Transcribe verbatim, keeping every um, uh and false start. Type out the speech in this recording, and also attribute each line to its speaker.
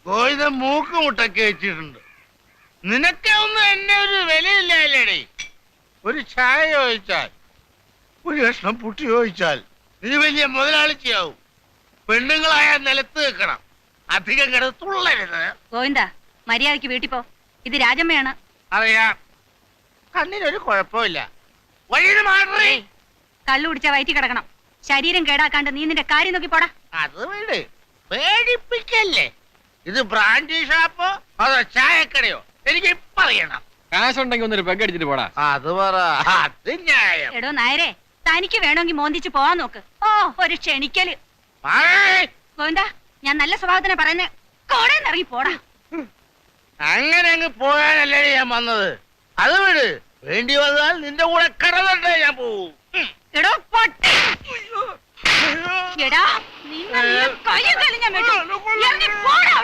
Speaker 1: ഗോവിന്ദൻ മൂക്ക് മുട്ടൊക്കെ വെച്ചിട്ടുണ്ട്. നിനക്കെ ഒന്നും എന്നെ ഒരു വിലയില്ലേടി. ഒരു ചായ ചോദിച്ചാൽ, ഒരു കഷ്ണം പുട്ടി ചോദിച്ചാൽ നീ വലിയ മുതലാളിച്ചിയാവും. പെണ്ണുങ്ങളായ നിലത്ത് വെക്കണം, അധികം കിടന്ന് തുള്ളരുത്.
Speaker 2: ഗോവിന്ദ, മര്യാദക്ക് വീട്ടിൽ പോ. ഇത് രാജമ്മയാണ്.
Speaker 1: അറിയാം, കണ്ണിനൊരു കുഴപ്പമില്ല. വഴിയിൽ മാറി
Speaker 2: കള്ളു കുടിച്ചാ വയറ്റി കിടക്കണം. ശരീരം കേടാക്കാണ്ട് നീ നിന്റെ കാര്യം നോക്കി പോടാ.
Speaker 1: അത് വീട് പേടിപ്പിക്കല്ലേ. ഇത് ബ്രാൻഡി ഷാപ്പോ അതോ ചായക്കടയോ? എനിക്ക് ഇപ്പൊ അറിയണം.
Speaker 3: കാശുണ്ടെങ്കിൽ ഒന്നൊരു പെഗ് അടിച്ചിട്ട് പോടാ.
Speaker 1: അത് പറ, അത് ന്യായം.
Speaker 2: എടോ നായരെ, തനിക്ക് വേണമെങ്കിൽ മോന്തിച്ച് പോവാൻ നോക്ക്. ഓ, ഒരു ക്ഷണിക്കല്. ഗോവിന്ദ, ഞാൻ നല്ല സ്വഭാവത്തിനെ പറയുന്നേ. കോടേന്ന് ഇറങ്ങി പോടാ.
Speaker 1: അങ്ങനെ അങ്ങ് പോകാനല്ലേ ഞാൻ വന്നത്. അത് വിട്, വേണ്ടി വന്നാൽ നിന്റെ കൂടെ കടന്നേ ഞാൻ പോവും.
Speaker 2: എടോ പൊട്ടി, എടാ നിന്നെ കയ്യും കാലും ഞാൻ വെട്ടും. ഇറങ്ങി പോടാ.